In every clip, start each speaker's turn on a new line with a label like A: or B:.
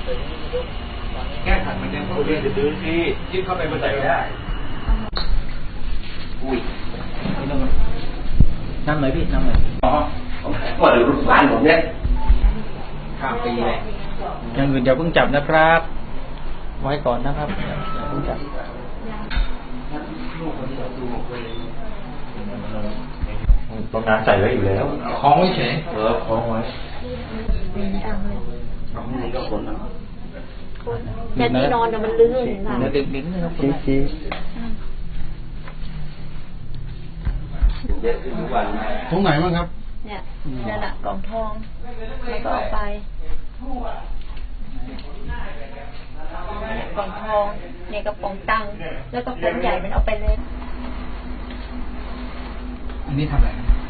A: แก้ขัดมันยังเขาเรียนจะดื้อที่จิ้มเข้าไปมันใส่ไม่ได้อุ้ย
B: น้ำหน่อยพี่น้ำหน่อย
A: อ๋อว่าเดี๋ยวรุ่นบ้านผมเนี่ยข้ามปีเลย
B: อย่างอื่นอย่าเพิ่งจับนะครับไว้ก่อนนะครับอย่าเพิ่งจับ
A: ตรงนั้นใส่ไว้อยู่แล้วคล้องไว้เฉยคล้องไว้นี่ก็คนนะ
C: แต่ที่นอนมันลื่นค่ะ
B: ดึงนะครับชี้ตรงไหนบ้างครับ
C: เนี่ยนั่นแหละกล่องทองแล้วก็เอาไปกล่องทองเนี่ยกระป๋องตังค์แล้วก็ป๋องใหญ่มันเอาไปเลย
B: อันนี้ทำอะไร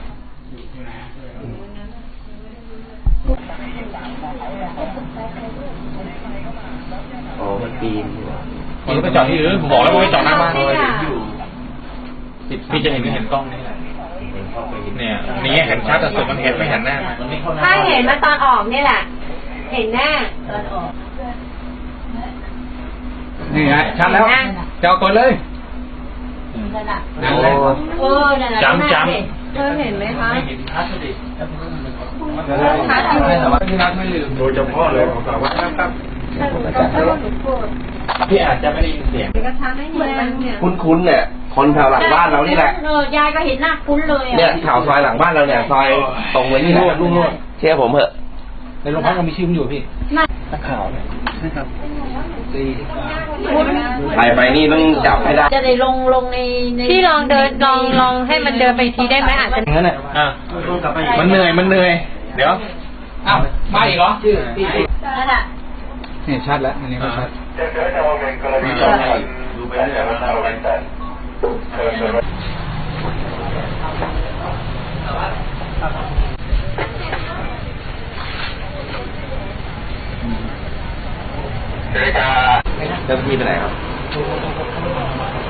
A: อ๋อมันปีน
B: มันไปจอดที่อื่นผมบอกแล้วว่าไปจอดหน้าบ้านเลยพี่จะเห็นกล้องนี่แหละเนี่ยนี่เห็นชัดแต่สุดมันเห็นไม่เห็นหน้า
C: ถ้าเห็นมาตอนออกนี่แหละเห็นหน้าตอนออก
B: นี่ไงชัดแล้วจะเอาก่อนเลย
C: นั่นแหละนั่นแหละจำเธอเห็นไหมคะชัดอยู่
B: ที่รักไม่ลืม
A: โดยเฉพาะเลยของสาวว่าครับ
B: พี่อาจจะไม่ได้ยินเสียง
A: คุ้นๆเนี่ยคนแถวหลังบ้านเรานี่แหละ
C: ยายก็เห็นหน้าคุ้นเลย
A: เนี่ยแถวซอยหลังบ้านเราเนี่ยซอยตรงไว้นี่แหละลุงเชื่อผมเถอะ
B: ในโรงพักก็มีชื่ออยู่พี่นักข่าวเนี่ยนะครับ
A: ไปนี่ต้องจับให้ได้
C: จะได้ลงใน
D: พี่ลองเดินลองให้มันเดินไปทีได้ไหมอาจจะ
B: งั้นแหละมันเหนื่อยเดี๋ยวอ้าวมาอีกเหรอ
C: นั่นแหละ
B: นี่ชัดแล้วอันนี้ก็ชัด
A: ดูไปเรื่อยว่าเราเป็นแต่เจ้าพี่ไปไหนครับ